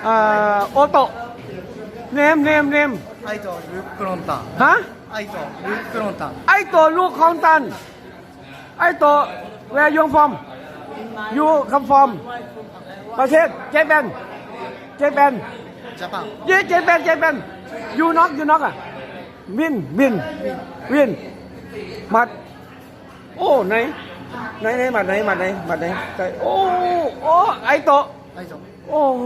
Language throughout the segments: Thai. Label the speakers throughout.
Speaker 1: โอโตะเนม
Speaker 2: アイトループロンタン
Speaker 1: ฮะ
Speaker 2: アイトループロンタン
Speaker 1: ไอโตะลูกของตันไอโตะแวร์ยงฟอมยูคัมฟอมประเทศเจแปน
Speaker 2: ジャパン
Speaker 1: เจแปนยูน็อกอ่ะวินหมัดโอ้ไหนหมัดไหนโอ้ไอโตะ
Speaker 2: アイト
Speaker 1: โอ้โห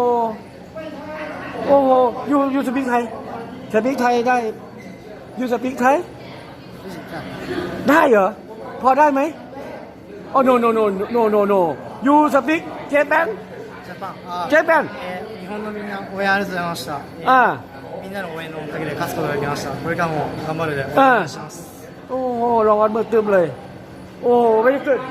Speaker 1: ยูสปีกไทยได้ยูสปีกไทยได้เหรอพอได้ไหมโอ้โนยูสปีกเจแปน
Speaker 2: ジャパン日本のみんな応援ありがとうございましたみんなの応援のおかげで勝つことができましたこれからも頑張るでお願いします
Speaker 1: โอ้โหรางวัลเบิกเติมเลยโอ้very good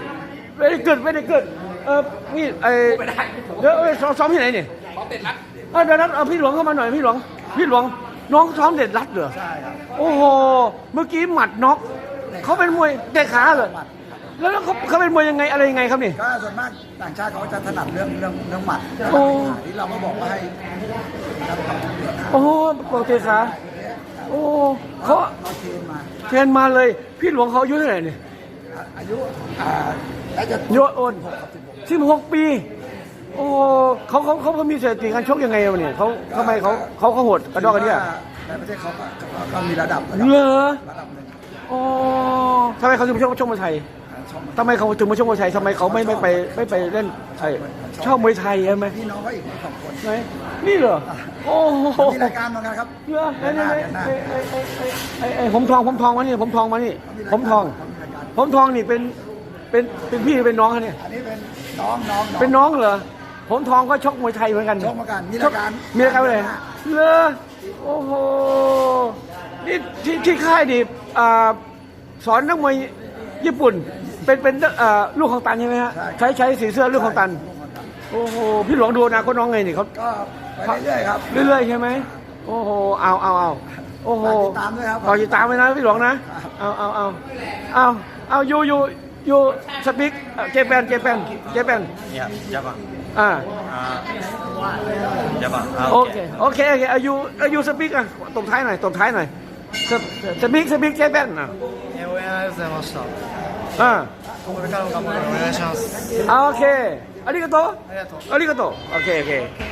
Speaker 1: พี่เดี๋ยวซ้อมที่ไหนเนี่ยเดี๋ยวนั้นพี่หลวงเข้ามาหน่อยพี่หลวงน้องซ้อมเด็ดรัดเหรอ
Speaker 2: ใช่ครับ
Speaker 1: โอ้โหเมื่อกี้หมัดน็อกเขาเป็นมวยเตะขาเหรอแล้วเขาเป็นมวยยังไงอะไรยังไงครับนี่
Speaker 2: ก็ส่วนมากต่างชาติเขาจะถนัดเรื่องหมัด
Speaker 1: โอ้
Speaker 2: ที่เราก็บอกว่าให้
Speaker 1: โอ้บอกเตะขาโอ้เขา
Speaker 2: เราเทรนมา
Speaker 1: เทรนมาเลยพี่หลวงเขาอายุเท่าไหร่เนี่ย
Speaker 2: อายุแล้วจะ
Speaker 1: โยโอน16 ปีโอ้เขามีสถิติการชกยังไงวะเนี่ยเขาทำไมเขาโหดกระดอกกระเดี่ย
Speaker 2: ในประเทศเขาก็มีระดับ
Speaker 1: เหรอ
Speaker 2: ระดับหนึ่ง
Speaker 1: โอ้ทำไมเขาถึงมาชกมวยไทย
Speaker 2: ชอบ
Speaker 1: ทำไมเขาถึงมาชกมวยไทยทำไมเขาไม่ไปเล่นไทยชอบมวยไทยใช่ไหม
Speaker 2: พี่น้องเขาอีกสองคน
Speaker 1: ไหนนี่เหรอโอ้โห
Speaker 2: มีรายการเหมือนกันครับ
Speaker 1: เหรอไหนไอ้ผมทองมานี่ผมทองนี่เป็นพี่เป็นน้องเขาเนี่ย
Speaker 2: อันนี้เป็นน้อง
Speaker 1: เป็นน้องเหรอผมทองก็ชกมวยไทยเหมือนกัน
Speaker 2: ชกเหมือนกันมีรายการ
Speaker 1: เลยเหรอโอ้โหนี่ที่ค่ายดิสอนนักมวยญี่ปุ่นเป็นลูกของตันใช่ไหมฮะใช้สีเสื้อลูกของตันโอ้โหพี่หลวงดูนะเขาน้องไงนี่เขา
Speaker 2: ก็ไปเรื่อยๆครับ
Speaker 1: เรื่อยๆใช่ไหมโอ้โหเอาโอ้โห
Speaker 2: ติดตามด้วยครับ
Speaker 1: ขอติดตามไว้นะพี่หลวงนะเอายูสปีกเจแปน
Speaker 3: いや、ジャパン。
Speaker 1: อ่า
Speaker 3: ジャパン。
Speaker 1: โอเคอายุสปีกอ่ะตบท้ายหน่อยสปีกเจแปนอ่ะ
Speaker 2: 応援ありがとうございましたこれからも頑張るのでお願いします
Speaker 1: โอเคありがとう
Speaker 2: ありがとう
Speaker 1: โอเค